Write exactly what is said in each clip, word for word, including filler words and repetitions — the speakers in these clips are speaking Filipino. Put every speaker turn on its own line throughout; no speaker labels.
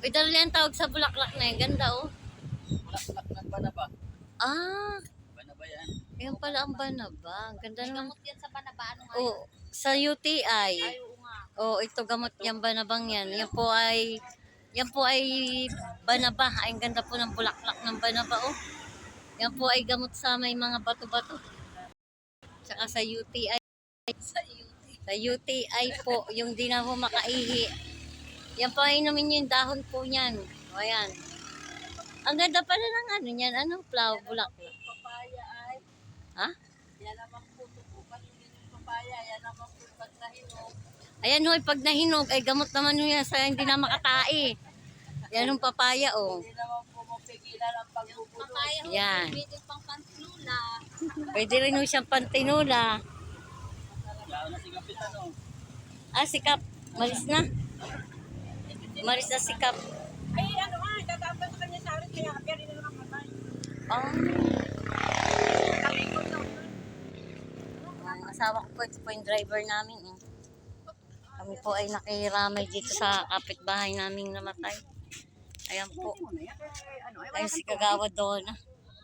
Ito rin ang tawag sa bulaklak na yan. Ganda oh.
Bulaklak ng banaba.
Ah,
Banaba yan.
yan pala ang banaba. Ang ganda naman.
Gamot yan sa banaba. Ano nga
Oh, sa U T I.
Ay, oo nga.
Oh, ito gamot yung banabang yan. Yan po ay yan po ay banaba. Ay, ang ganda po ng bulaklak ng banaba oh. Yan po ay gamot sa may mga bato-bato. Tsaka sa U T I.
Sa U T.
Sa U T I po, yung di na po makaihi. Yan po ay inumin yung dahon po niyan. O ayan. Ang ganda pala ng ano niyan. Anong flower bulaklak?
Papaya ay.
Ha?
Yan naman po. Tutukan yung papaya. Yan naman po pag nahinog.
Ayan hoy, pag nahinog, ay gamot naman ho yan sa hindi na makatai. Yan yung papaya oh.
Hindi naman po mapigilan ang pagbubulo. Papaya ho.
Yan.
Pwede pang panslula.
Pwede rin ho siyang pantinula.
Lalo na si Kapitan oh.
Ah, sikap. Maris na. Maris na sikap.
Ay, ano nga. Tatapos sa kanya sa akin. Kaya kaya rin naman matay.
Oh.
Kami ko daw.
Ang asawa ko po, ito po yung driver namin. Eh. Kami po ay nakiramay dito sa kapitbahay naming namatay. Ayan po. Ayun si Kagawa Donna.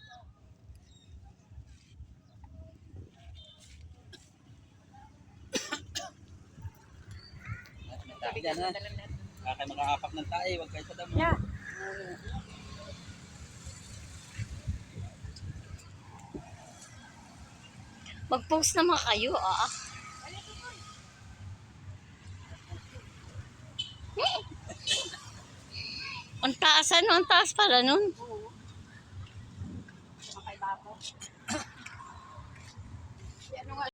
Tayo dyan ha. Kaya makaapak ng tayo. Huwag kayo sa damo.
Yeah.
Mag-post naman kayo, ah. Ang taas ano? Ang taas pala nun.